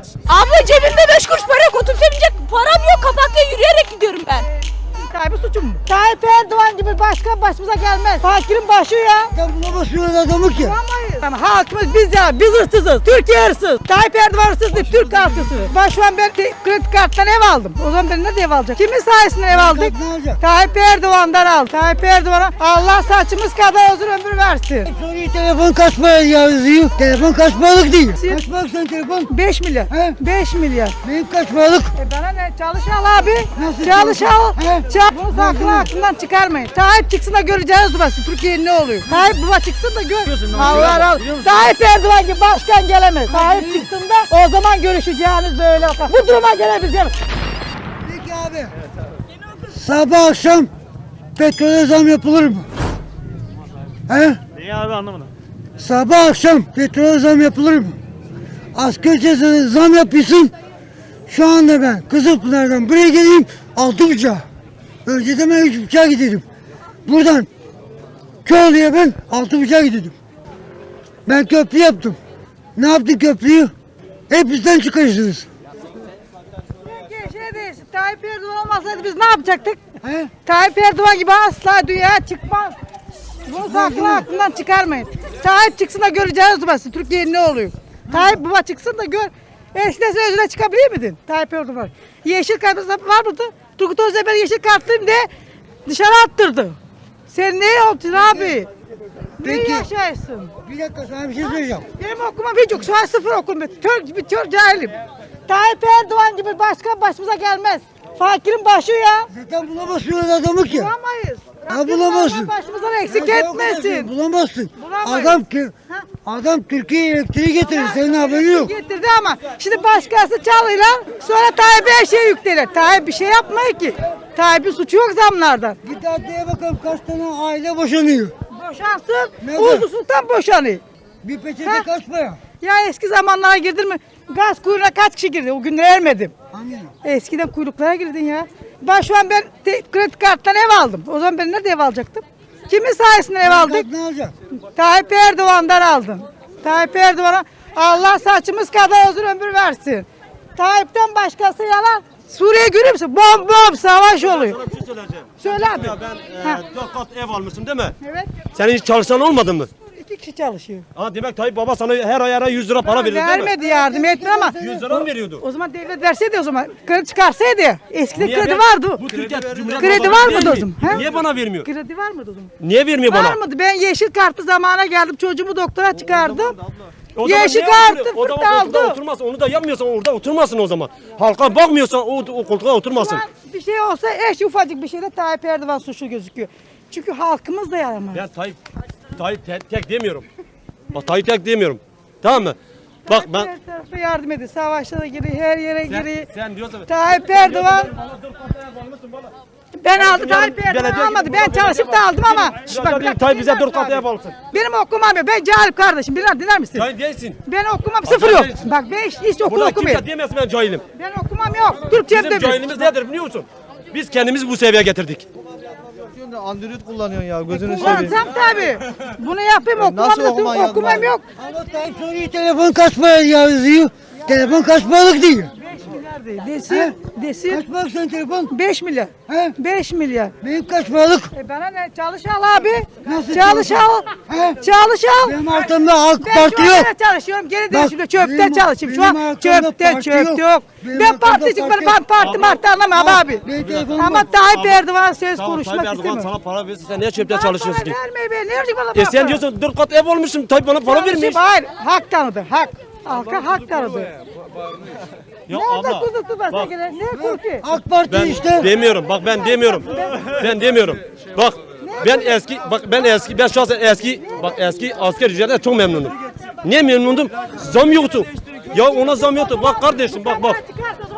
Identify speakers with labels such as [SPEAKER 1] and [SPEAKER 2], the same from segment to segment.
[SPEAKER 1] Abla cebimde 5 kuruş para yok. Otobüse binecek param yok. Kapakta yürüyerek gidiyorum ben.
[SPEAKER 2] Tayyip'in suçu mu? Tayyip Erdoğan gibi başkan başımıza gelmez. Fakirin başı ya.
[SPEAKER 3] Sen bulamazsın adamı ki.
[SPEAKER 2] Bulamayız. Yani halkımız biz ya. Biz hırsızız. Türkiye hırsız. Tayyip Erdoğan hırsız değil. Türk halkı hırsız. Ben şu an kredi karttan ev aldım. O zaman ben nerede ev alacak? Kimin sayesinde ev aldık?
[SPEAKER 3] Ne olacak?
[SPEAKER 2] Tayyip Erdoğan'dan al. Tayyip Erdoğan'a Allah saçımız kadar uzun ömür versin.
[SPEAKER 3] Soruyu telefon kaç para yazıyor? Telefon kaç paralık değil. Kaç paralık senin telefon?
[SPEAKER 2] 5 milyar.
[SPEAKER 3] He?
[SPEAKER 2] 5 milyar.
[SPEAKER 3] Benim kaç paralık?
[SPEAKER 2] Bana ne? Çalış al abi.
[SPEAKER 3] Nasıl
[SPEAKER 2] Çalış al.
[SPEAKER 3] He?
[SPEAKER 2] Bunu saklı aklından çıkarmayın. Tayyip çıksın da göreceğiz burası. Türkiye'nin ne oluyor? Tayyip baba çıksın da gör. Allah Allah. Tayyip Erdoğan gibi başkan gelemez. Tayyip çıksın da o zaman görüşeceğiniz böyle bakar. Bu duruma gelebileceğiz.
[SPEAKER 3] Peki abi. Sabah akşam petrole zam yapılır mı? He?
[SPEAKER 4] Niye abi anlamadım.
[SPEAKER 3] Sabah akşam petrole zam yapılır mı? Asgari ücrete zam yapıyorsun. Şu anda ben Kızılpınar'dan buraya geleyim 6,5. Önceden ben 3,5'a giderim. Buradan Köylü'ye ben 6,5'a giderim. Ben köprü yaptım. Ne yaptın köprüyü? Hepinizden çıkarırsınız.
[SPEAKER 2] Şey değilsin. Tayyip Erdoğan olmasaydı biz ne yapacaktık?
[SPEAKER 3] He?
[SPEAKER 2] Tayyip Erdoğan gibi asla dünyaya çıkmaz. Bunu saklı aklından çıkarmayın. Tayyip çıksın da göreceğiz burası. Türkiye'nin ne oluyor? Tayyip baba çıksın da gör. Eskiden sen özüne çıkabilir miydin? Tayyip Erdoğan. Yeşil kartı var mıydı? Turgut Özdemir'e yeşil kartlıyım de dışarı attırdı. Sen ne yaptın abi? Ne
[SPEAKER 3] Peki.
[SPEAKER 2] yaşarsın?
[SPEAKER 3] Bir dakika sana bir şey söyleyeceğim.
[SPEAKER 2] Benim okumam hiç yok. Şu an sıfır okum. Tör cahilim. Tayyip Erdoğan gibi başkan başımıza gelmez. Fakirin başı ya.
[SPEAKER 3] Zaten bulamazsın adamı ki.
[SPEAKER 2] Bulamayız.
[SPEAKER 3] Ya bulamazsın.
[SPEAKER 2] Başımızdan eksik
[SPEAKER 3] Ya
[SPEAKER 2] etmesin.
[SPEAKER 3] Bulamazsın.
[SPEAKER 2] Bulamayız.
[SPEAKER 3] Adam Türkiye'ye elektriği getirir. Senin haberin yok.
[SPEAKER 2] Getirdi ama şimdi başkası çalıyorlar sonra Tayyip'e her şeyi yüklenir. Tayyip bir şey yapmıyor ki. Tayyip'in suçu yok zamlardan.
[SPEAKER 3] Git adliye bakalım kaç tane aile boşanıyor.
[SPEAKER 2] Boşansın,
[SPEAKER 3] Neden?
[SPEAKER 2] uzusuzdan boşanıyor.
[SPEAKER 3] Bir peçete
[SPEAKER 2] Ha?
[SPEAKER 3] kaç para?
[SPEAKER 2] Ya eski zamanlara girdin mi? Gaz kuyruğuna kaç kişi girdi? O günleri ermedim.
[SPEAKER 3] Hangi?
[SPEAKER 2] Eskiden kuyruklara girdin ya. Şu an kredi karttan ev aldım. O zaman ben nerede ev alacaktım? Kimin sayesinde ev aldık?
[SPEAKER 3] Ne olacak?
[SPEAKER 2] Tayyip Erdoğan'dan aldım. Tayyip Erdoğan'a Allah saçımız kadar uzun ömür versin. Tayyip'ten başkası yalan. Suriye görüyor musun? Bom bom savaş oluyor.
[SPEAKER 4] Sana bir şey söyleyeceğim.
[SPEAKER 2] Söyle abi.
[SPEAKER 4] Ya ben
[SPEAKER 2] Ha.
[SPEAKER 4] 4 kat ev almışsın değil mi?
[SPEAKER 2] Evet.
[SPEAKER 4] Senin hiç çalışan olmadı mı?
[SPEAKER 2] 2 kişi çalışıyor.
[SPEAKER 4] Ha demek Tayyip Baba sana her ay 100 lira para veriyor değil mi?
[SPEAKER 2] Vermedi yardım etme ama.
[SPEAKER 4] 100 lira mı veriyordu?
[SPEAKER 2] O zaman devlet verseydi o zaman. Kredi çıkarsaydı. Eskiden
[SPEAKER 4] Niye
[SPEAKER 2] kredi
[SPEAKER 4] ver-
[SPEAKER 2] vardı.
[SPEAKER 4] Bu Türkiye Cumhuriyet
[SPEAKER 2] Kredi
[SPEAKER 4] Babası
[SPEAKER 2] var mıydı
[SPEAKER 4] vermiyor.
[SPEAKER 2] o zaman? He?
[SPEAKER 4] Niye bana vermiyor?
[SPEAKER 2] Kredi var mıydı o zaman?
[SPEAKER 4] Niye vermiyor bana?
[SPEAKER 2] Var mıydı? Ben yeşil kartlı zamana geldim. Çocuğumu doktora çıkardım.
[SPEAKER 4] O zaman
[SPEAKER 2] Yeşil
[SPEAKER 4] niye
[SPEAKER 2] kartı
[SPEAKER 4] oturuyor? O zaman
[SPEAKER 2] fırta
[SPEAKER 4] koltuğa
[SPEAKER 2] aldı.
[SPEAKER 4] oturmazsın. Onu da yapmıyorsan orada oturmasın o zaman. Halka bakmıyorsan o koltuğa oturmasın.
[SPEAKER 2] Ulan bir şey olsa eş ufacık bir şeyde Tayyip Erdoğan suçlu gözüküyor. Çünkü halkımız da yaramaz.
[SPEAKER 4] Ben Tayyip tek demiyorum. Bak Tayyip tek demiyorum. Tamam mı? Bak ben
[SPEAKER 2] Her tarafa yardım ediyor. Savaşlara giriyor, her yere giriyor.
[SPEAKER 4] sen diyorsan
[SPEAKER 2] Tayyip Erdoğan ben aldım, Tayyip Erdoğan almadı. Ben çalışıp da aldım ama. Şş, bak, bir dakika,
[SPEAKER 4] Tayyip bize
[SPEAKER 2] dinler
[SPEAKER 4] 4 kat
[SPEAKER 2] misin
[SPEAKER 4] ev
[SPEAKER 2] abi?
[SPEAKER 4] alsın.
[SPEAKER 2] Benim okumam yok. Ben cahil kardeşim. Dinler misin?
[SPEAKER 4] Cahil değilsin.
[SPEAKER 2] Ben okumam sıfır yok.
[SPEAKER 4] değilsin.
[SPEAKER 2] Bak ben hiç okul
[SPEAKER 4] Burada
[SPEAKER 2] okumuyorum.
[SPEAKER 4] kimse diyemez ben cahilim.
[SPEAKER 2] Ben okumam yok. Türkçem de
[SPEAKER 4] Bizim cahilimiz nedir biliyor musun? Biz kendimizi bu seviyeye getirdik.
[SPEAKER 5] Android kullanıyorsun ya gözünü seveyim.
[SPEAKER 2] Kullansam tabii. Bunu yapayım
[SPEAKER 5] Nasıl
[SPEAKER 2] okumam
[SPEAKER 5] okuman
[SPEAKER 2] da
[SPEAKER 5] yazman?
[SPEAKER 2] okumam yok.
[SPEAKER 3] Ama Tayyip soruyu telefon kaç para yazıyor? Telefon kaç paralık değil.
[SPEAKER 2] 5 milyar değil. Desin.
[SPEAKER 3] Kaç paralık senin telefon?
[SPEAKER 2] 5 milyar.
[SPEAKER 3] He?
[SPEAKER 2] 5 milyar.
[SPEAKER 3] Benim kaç paralık?
[SPEAKER 2] Bana ne? Çalış al abi.
[SPEAKER 3] Nasıl
[SPEAKER 2] Çalış al.
[SPEAKER 3] He?
[SPEAKER 2] Çalış al.
[SPEAKER 3] Benim arkamda AK
[SPEAKER 2] Ben
[SPEAKER 3] Parti
[SPEAKER 2] şu
[SPEAKER 3] yok.
[SPEAKER 2] anda çalışıyorum. Geri
[SPEAKER 3] Bak,
[SPEAKER 2] dönüşümde çöpte
[SPEAKER 3] benim-
[SPEAKER 2] çalışayım. Şu
[SPEAKER 3] benim
[SPEAKER 2] an
[SPEAKER 3] arkamda
[SPEAKER 2] çöpte
[SPEAKER 3] parti
[SPEAKER 2] çöpte
[SPEAKER 3] yok.
[SPEAKER 2] yok.
[SPEAKER 3] Benim
[SPEAKER 2] Ben
[SPEAKER 3] arkamda
[SPEAKER 2] particiyim.
[SPEAKER 3] parti
[SPEAKER 2] Ben
[SPEAKER 3] yok.
[SPEAKER 2] parti martı anlamam abi.
[SPEAKER 3] Benim telefonum
[SPEAKER 2] Ama
[SPEAKER 3] var.
[SPEAKER 2] Tayyip Erdoğan söz
[SPEAKER 4] Tamam,
[SPEAKER 2] konuşmak
[SPEAKER 4] Tayyip Erdoğan
[SPEAKER 2] istemiyor.
[SPEAKER 4] sana para verirse sen niye çöpte
[SPEAKER 2] Bana
[SPEAKER 4] çalışıyorsun
[SPEAKER 2] para
[SPEAKER 4] ki?
[SPEAKER 2] verme be. Ne olacak bana
[SPEAKER 4] E sen
[SPEAKER 2] para?
[SPEAKER 4] diyorsun 4 kat ev olmuşsun Tayyip bana para
[SPEAKER 2] Çalışayım,
[SPEAKER 4] vermiş.
[SPEAKER 2] hayır. Hak tanıdı. Hak. Halka hak tanıdı.
[SPEAKER 4] Ya
[SPEAKER 2] Nerede
[SPEAKER 4] abla,
[SPEAKER 2] kuzusu başa
[SPEAKER 4] bak.
[SPEAKER 2] gelen? Ne kurki?
[SPEAKER 3] AK Parti
[SPEAKER 4] Ben
[SPEAKER 3] işte.
[SPEAKER 4] demiyorum. Bak ben demiyorum. Ben demiyorum. Bak ben şahsen eski asker ücretten çok memnunum. Niye memnundum? Zam yoktu. Ya ona zam yoktu. Bak kardeşim bak. Bak,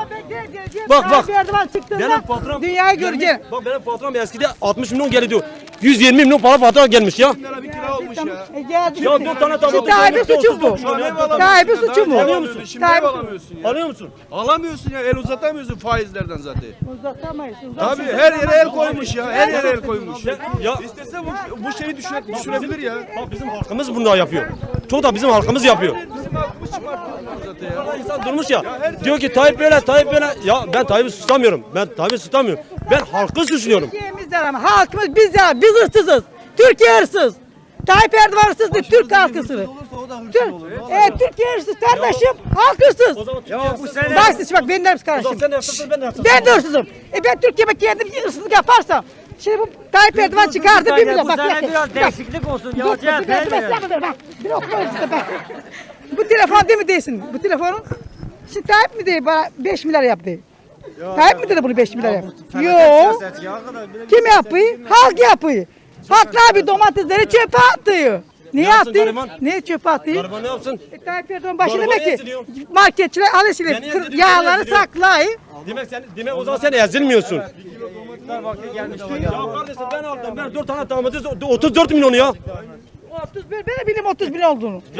[SPEAKER 4] bak.
[SPEAKER 2] Tayyip Erdoğan çıktığında
[SPEAKER 4] Benim patron
[SPEAKER 2] dünyayı göreceksin.
[SPEAKER 4] Bak benim patron eskide 60 milyon geliyordu. 120 milyon para fatura gelmiş ya.
[SPEAKER 5] Bir kira olmuş ya.
[SPEAKER 2] Geldi.
[SPEAKER 4] Ya 4 tane tabağı.
[SPEAKER 2] Tayyip'in suçu bu. Tayyip'in suçu mu?
[SPEAKER 4] Alıyor musun?
[SPEAKER 5] Şimdi ev alamıyorsun ya.
[SPEAKER 4] Alıyor musun?
[SPEAKER 5] Alamıyorsun ya. El uzatamıyorsun faizlerden zaten.
[SPEAKER 2] Uzatamayız.
[SPEAKER 5] Tabii her yere el koymuş ya. Her yere el koymuş.
[SPEAKER 4] Ya
[SPEAKER 5] İstese bu şeyi düşürebilir ya.
[SPEAKER 4] bak bizim halkımız bunu da yapıyor. Çoğu da bizim halkımız yapıyor.
[SPEAKER 5] Bizim halkımız çıkartıyorlar zaten ya.
[SPEAKER 4] İnsan durmuş ya. Diyor ki Tayyip böyle, Tayyip böyle. Ya ben Tayyip'i suçlamıyorum. Ben Tayyip'i suçlamıyorum. Ben halkı suçluyorum.
[SPEAKER 2] Türkiye'mizden ama halkımız biz ya biz hırsızız. Türkiye hırsız. Tayyip Erdoğan hırsız değil, Türk halkı hırsız. Türkiye hırsız kardeşim, halk hırsız.
[SPEAKER 4] Ya bu sene.
[SPEAKER 2] Bak siz bak benim de hırsız kardeşim.
[SPEAKER 4] Sen de hırsızsın, ben de hırsızım.
[SPEAKER 2] Ben de hırsızım. Ben Türkiye'me kendim hırsızlık yaparsam. Şimdi bu Tayyip Erdoğan çıkardı bir milyon.
[SPEAKER 6] Bu sene biraz değişiklik olsun. Ya
[SPEAKER 2] Bir okuma işte bak. Bu telefon değil mi değilsin? Bu telefonun. Şimdi Tayyip mi değil bana 5 milyar yaptı? Tayyip mi dedi bunu 5 milyar yaptı? Yok. Kim yapıyor? Halk yapıyor. Halklar bir domatesleri çöpe atıyor. Niye
[SPEAKER 4] yapsın
[SPEAKER 2] atıyor?
[SPEAKER 4] gariban?
[SPEAKER 2] Niye çöpe atıyor?
[SPEAKER 4] Gariban ne yapsın?
[SPEAKER 2] Tayyip Erdoğan başı
[SPEAKER 4] Gariban
[SPEAKER 2] demek ki
[SPEAKER 4] eziliyor.
[SPEAKER 2] marketçiler
[SPEAKER 4] Ben
[SPEAKER 2] alışveriş
[SPEAKER 4] eziliyorum,
[SPEAKER 2] yağları
[SPEAKER 4] ben eziliyorum.
[SPEAKER 2] saklayın.
[SPEAKER 4] Demek o zaman sen ezilmiyorsun.
[SPEAKER 6] vakti gelmişti.
[SPEAKER 4] Ya kardeşim ben aldım. Ben 4 tane domates 34 milyon ya.
[SPEAKER 2] 31 ben de bileyim 30 bin olduğunu.
[SPEAKER 4] Ya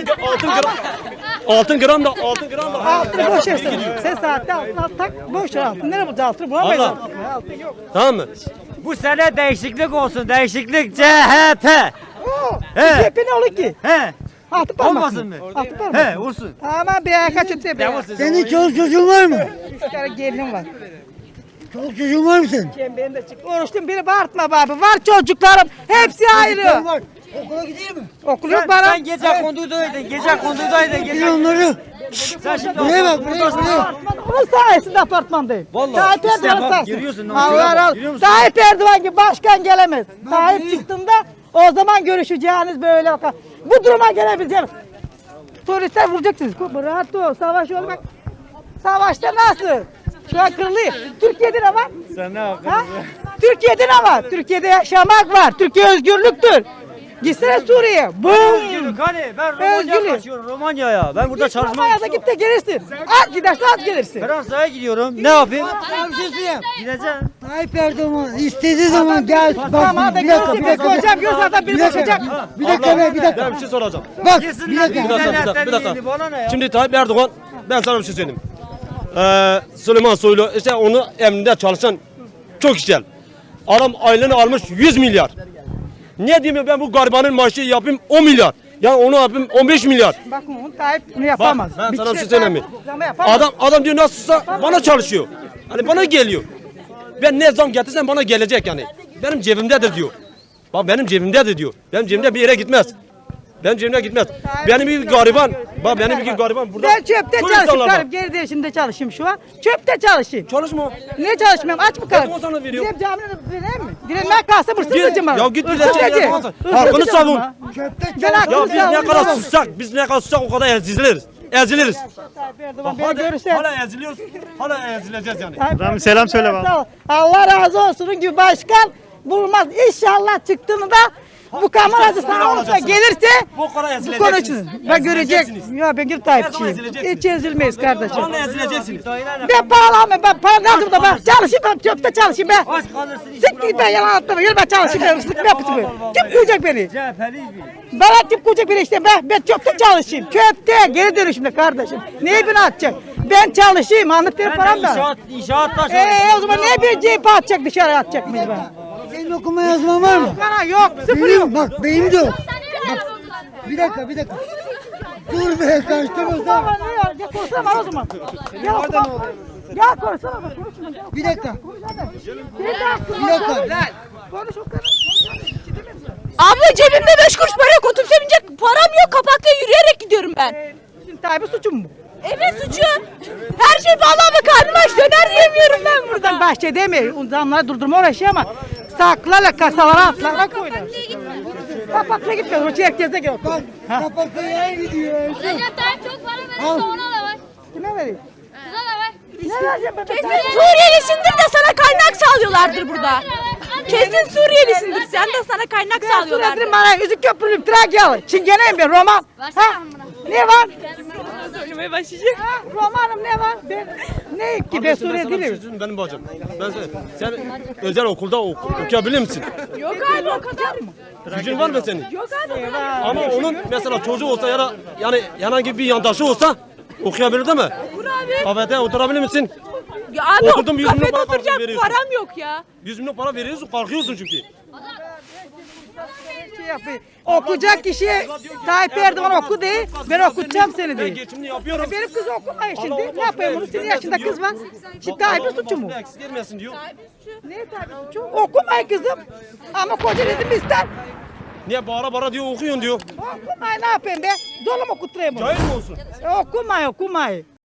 [SPEAKER 4] altın gram da
[SPEAKER 2] Altını boş ver sen. Sen saatte altın tak boş ver altın. Nereye bulacağız altını? Bulamayız
[SPEAKER 4] Allah.
[SPEAKER 2] altını. Altın yok.
[SPEAKER 4] Tamam mı?
[SPEAKER 6] Bu sene değişiklik olsun. Değişiklik CHP.
[SPEAKER 2] Oo.
[SPEAKER 6] He.
[SPEAKER 2] CHP ne olur ki?
[SPEAKER 6] He.
[SPEAKER 2] Altı parmak.
[SPEAKER 6] Olmasın mı?
[SPEAKER 2] Altı parmak.
[SPEAKER 6] He olsun.
[SPEAKER 2] Aman bir ayağa kaç öteye bir ayağa.
[SPEAKER 3] Senin çoluk çocuğun var mı?
[SPEAKER 2] 3 tane gelinim var.
[SPEAKER 3] Çoluk çocuğun var mı senin?
[SPEAKER 2] Benim de çık. Oruçtum beni bağırtma abi. Var çocuklarım. Hepsi ayrı.
[SPEAKER 3] Var. Okula gidiyor mu?
[SPEAKER 2] Okul yok
[SPEAKER 6] Sen,
[SPEAKER 2] bana.
[SPEAKER 6] sen gece kondudaydın. Gece kondudaydın.
[SPEAKER 3] Gidin
[SPEAKER 6] Gece.
[SPEAKER 3] onları.
[SPEAKER 6] Sen şimdi
[SPEAKER 3] Buraya bak buraya.
[SPEAKER 2] Onun sayesinde apartmandayım.
[SPEAKER 6] Vallahi,
[SPEAKER 2] Tayyip
[SPEAKER 6] işte
[SPEAKER 2] Erdoğan
[SPEAKER 6] bak,
[SPEAKER 2] sayesinde.
[SPEAKER 6] görüyorsun,
[SPEAKER 2] Allah razı
[SPEAKER 6] görüyor
[SPEAKER 2] olsun.
[SPEAKER 6] musun?
[SPEAKER 2] Tayyip Erdoğan gibi başkan gelemez. Tayyip çıktığında o zaman görüşeceğiniz böyle bakın. Bu duruma gelebileceğiniz. Turistler vuracaksınız. Rahat ol. Savaş olmak. Savaşta nasıl? Şu an kırılıyor. Türkiye'de ne var?
[SPEAKER 6] Sen ne
[SPEAKER 2] Ha? Türkiye'de ne var? Türkiye'de yaşamak var. Türkiye özgürlüktür. Gitsene Suriye'ye. Bum.
[SPEAKER 6] Özgürlük hani ben Romanya'ya
[SPEAKER 2] Özgürlük.
[SPEAKER 6] kaçıyorum Romanya'ya. Ben burada çalışmam
[SPEAKER 2] Almanya'da git de gelirsin. Az gidersen az gelirsin.
[SPEAKER 6] Fransa'ya gidiyorum. Ne yapayım?
[SPEAKER 3] Sana bir şey söyleyeyim.
[SPEAKER 6] Gideceğim.
[SPEAKER 3] Tayyip Erdoğan istediği zaman gel.
[SPEAKER 2] Tamam da
[SPEAKER 3] Bir dakika.
[SPEAKER 2] görürsün. Bir hocam görürsen adam biri bakacak.
[SPEAKER 3] Bir dakika be bir dakika.
[SPEAKER 4] Ben bir şey soracağım.
[SPEAKER 3] Bak
[SPEAKER 6] Yesinler
[SPEAKER 3] bir dakika.
[SPEAKER 4] Bir dakika.
[SPEAKER 6] Bana ne ya?
[SPEAKER 4] Şimdi Tayyip Erdoğan, ben sana bir şey söyleyeyim. Süleyman Soylu, işte onu emrinde çalışan çok güzel. Adam aylığını almış 100 milyar. Niye diyeyim ben bu garibanın maaşı yapayım 10 milyar. Yani onu yapayım 15 milyar.
[SPEAKER 2] Bak onu Tayyip bunu yapamaz.
[SPEAKER 4] Ben sana bir şey
[SPEAKER 2] Tayyip
[SPEAKER 4] söyleyeyim mi?
[SPEAKER 2] zama yapamaz.
[SPEAKER 4] Adam diyor nasılsa bana çalışıyor. Hani bana geliyor. Ben ne zam getirsem bana gelecek yani. Benim cebimdedir diyor. Bak benim cebimdedir diyor. Benim cebimde bir yere gitmez. Benim cebimde gitmez. Benim bir gariban. Bak benim bir gariban burada.
[SPEAKER 2] Ben çöpte
[SPEAKER 4] Çok
[SPEAKER 2] çalışayım.
[SPEAKER 4] insanlar var.
[SPEAKER 2] Karım geri değişimde çalışayım şu an. Çöpte çalışayım.
[SPEAKER 4] Çalışma.
[SPEAKER 2] Niye çalışmıyorum? Aç mı karım?
[SPEAKER 4] Ben o sana veriyorum.
[SPEAKER 2] Gidip camine vereyim mi? Direnmeye kalsam hırsızlıcım var.
[SPEAKER 4] Ya git dilekçe yapamazsın. Hakkını savun.
[SPEAKER 2] Ben
[SPEAKER 4] Ya
[SPEAKER 2] hakkını
[SPEAKER 4] biz ne
[SPEAKER 2] savunurum.
[SPEAKER 4] kadar sussak, biz ne kadar sussak o kadar eziliriz. Eziliriz.
[SPEAKER 2] Tayyip Erdoğan beni görürse.
[SPEAKER 4] Hala eziliyoruz. Hala ezileceğiz yani.
[SPEAKER 2] Tayyip selam söyle bana. Allah razı olsun. Onun gibi başkan bulmaz. İnşallah çıktığında bu kameracı sana olursa gelirse
[SPEAKER 4] Bu kadar
[SPEAKER 2] bu
[SPEAKER 4] ezileceksiniz.
[SPEAKER 2] konu için. Ben görecek.
[SPEAKER 4] Ezileceksiniz.
[SPEAKER 2] Ya ben bir
[SPEAKER 4] Ne zaman
[SPEAKER 2] Tayyipçiyim.
[SPEAKER 4] ezileceksiniz?
[SPEAKER 2] Hiç ezilmeyiz kardeşim.
[SPEAKER 4] Hala ezileceksiniz.
[SPEAKER 2] Ben pahalanmıyorum. Ben para lazım da ben çalışayım. Ben çöpte çalışayım ben.
[SPEAKER 6] Aç kalırsın.
[SPEAKER 2] Sık git ben yalan atlama. Yürü ben çalışayım. Ben ıslık yapıyorum. Kim koyacak beni?
[SPEAKER 6] CHP'liyiz biz.
[SPEAKER 2] Bana kim koyacak beni işte ben çöpte çalışayım. Çöpte geri dönüşümde kardeşim. Neyi beni atacak? Ben çalışayım. Anlatayım
[SPEAKER 6] Ben
[SPEAKER 2] param
[SPEAKER 6] de
[SPEAKER 2] da.
[SPEAKER 6] inşaatta
[SPEAKER 2] O zaman niye bir cephe atacak dışarı atacak mıyız ben?
[SPEAKER 3] Senin okuma yazman var mı?
[SPEAKER 2] Bana yok. Sıfır yok.
[SPEAKER 3] Benim bak benim de yok. Bir dakika bir dakika. Dur be karıştırma.
[SPEAKER 2] Baba ne ya? Ya konuşsana bana o zaman. Gel orada ne oluyor? Gel konuşsana bak. Konuşma. Gel.
[SPEAKER 3] Bir dakika.
[SPEAKER 2] Konuş hadi. Sen de haklısın.
[SPEAKER 3] Bir dakika.
[SPEAKER 2] Konuş o kadar.
[SPEAKER 1] Abla cebimde 5 kuruş para yok. Otobüse binecek param yok. Kapakla yürüyerek gidiyorum ben.
[SPEAKER 2] Şimdi Tayyip'in suçu mu bu?
[SPEAKER 1] Evet suçu. Her şey vallahi be karnım aç. Döner yemiyorum ben burada.
[SPEAKER 2] Buradan bahçe demiyor. Zamları durdurma uğraşıyor ama saklarla kasalara atlarla koyuyor. Kapakla gitmiyor. Hoca herkese gel.
[SPEAKER 3] Bak kapakta yer gidiyor.
[SPEAKER 7] Recep Tayyip çok para verirse ona da var.
[SPEAKER 2] Kime vereyim?
[SPEAKER 7] Kıza da var.
[SPEAKER 2] Ne vereceğim ben?
[SPEAKER 1] Kesin Suriyelisindir de sana kaynak sağlıyorlardır burada. Kesin Suriyelisindir. Sen de sana kaynak sağlıyorlardır.
[SPEAKER 2] Sağlıyorlardır bana. Üzük köprülüyüm. Trakyalı. Çingeneyim ben. Roman.
[SPEAKER 7] Versene
[SPEAKER 2] Ha?
[SPEAKER 7] bana.
[SPEAKER 2] Ne var?
[SPEAKER 1] oynamaya başlayacak.
[SPEAKER 2] Ha, romanım ne var? Ne ki ben Suriye
[SPEAKER 4] Sana bir şey
[SPEAKER 2] değilim.
[SPEAKER 4] söyleyeyim benim bacım. Sen özel okulda okuyabilir misin?
[SPEAKER 1] Yok abi o kadar mı?
[SPEAKER 4] Gücün var mı senin?
[SPEAKER 1] Yok abi.
[SPEAKER 4] Ama onun mesela çocuğu olsa ya da yani herhangi bir yandaşı olsa okuyabilir değil mi?
[SPEAKER 1] Vur abi.
[SPEAKER 4] Kafede oturabilir misin?
[SPEAKER 1] Ya abi
[SPEAKER 4] Okudum, 100 milyon
[SPEAKER 1] kafede
[SPEAKER 4] para
[SPEAKER 1] oturacak
[SPEAKER 4] veriyorsun.
[SPEAKER 1] param yok ya.
[SPEAKER 4] 100 milyon para veriyorsun kalkıyorsun çünkü.
[SPEAKER 2] Şey yapayım. Okuyacak kişi Tayyip Erdoğan oku de, ben okutacağım seni
[SPEAKER 4] Ben
[SPEAKER 2] de.
[SPEAKER 4] geçimini yapıyorum.
[SPEAKER 2] Benim kız okumuyor
[SPEAKER 4] Allah
[SPEAKER 2] şimdi.
[SPEAKER 4] Allah,
[SPEAKER 2] Ne yapayım bunu?
[SPEAKER 4] eksik
[SPEAKER 2] Senin yaşında
[SPEAKER 4] gelmesin
[SPEAKER 2] kız var.
[SPEAKER 4] diyor.
[SPEAKER 2] Şimdi Tayyip'in suçu mu?
[SPEAKER 4] Eksik gelmesin diyor.
[SPEAKER 2] Ne Tayyip'in suçu? Okumay kızım. Ama koca dedim ister.
[SPEAKER 4] Niye bağıra bağıra diyor okuyun diyor.
[SPEAKER 2] Okumay ne yapayım be? Zorla mı okutturayım onu?
[SPEAKER 4] Cahil mi olsun?
[SPEAKER 2] Okumay okumay.